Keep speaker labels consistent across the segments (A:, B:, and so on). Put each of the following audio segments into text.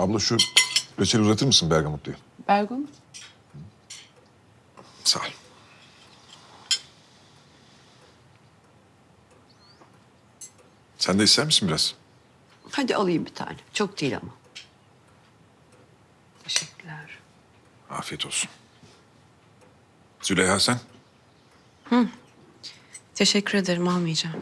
A: Abla şu reçeli uzatır mısın Bergamotlu'yu?
B: Bergamot.
A: Sağ ol. Sen de ister misin biraz?
C: Hadi alayım bir tane. Çok değil ama. Teşekkürler.
A: Afiyet olsun. Züleyha sen?
B: Teşekkür ederim, almayacağım.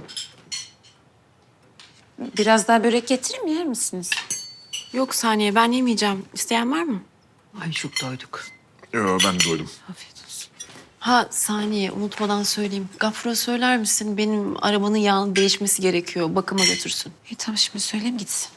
D: Biraz daha börek getireyim mi, yer misiniz?
B: Yok Saniye, ben yemeyeceğim. İsteyen var mı?
C: Ay çok doyduk.
A: Yo, ben de doydum.
B: Afiyet olsun. Ha Saniye, unutmadan söyleyeyim. Gafur'a söyler misin? Benim arabanın yağının değişmesi gerekiyor. Bakıma götürsün.
D: Tamam, şimdi söyleyeyim gitsin.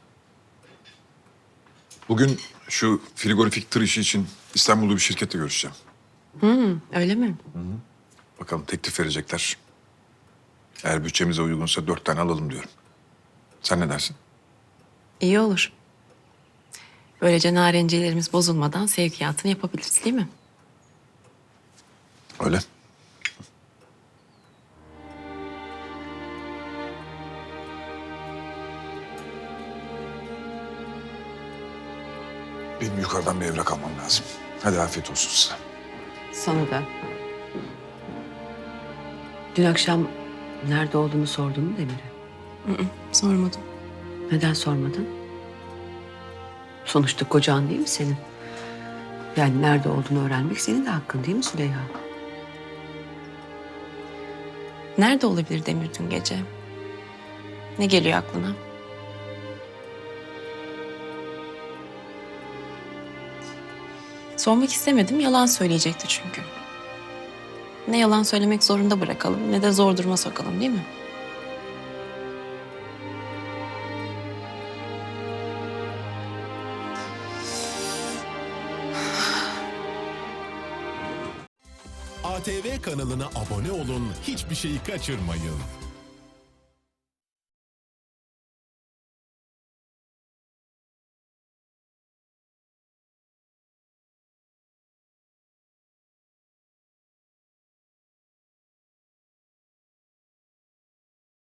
A: Bugün şu frigorifik tır işi için İstanbul'da bir şirketle görüşeceğim.
B: Öyle mi?
A: Bakalım teklif verecekler. Eğer bütçemize uygunsa 4 tane alalım diyorum. Sen ne dersin?
B: İyi olur. Böylece narenciyelerimiz bozulmadan sevkiyatını yapabiliriz değil mi?
A: Öyle. Benim yukarıdan bir evrak almam lazım. Hadi afiyet olsun size.
C: Sana da. Dün akşam nerede olduğunu sordun mu Demir'e?
B: Sormadım.
C: Neden sormadın? Sonuçta kocan değil mi senin? Yani nerede olduğunu öğrenmek senin de hakkın değil mi Süleyha?
B: Nerede olabilir Demir dün gece? Ne geliyor aklına? Sormak istemedim, yalan söyleyecekti çünkü. Ne yalan söylemek zorunda bırakalım, ne de zor duruma sokalım değil mi?
E: ATV kanalına abone olun, hiçbir şeyi kaçırmayın.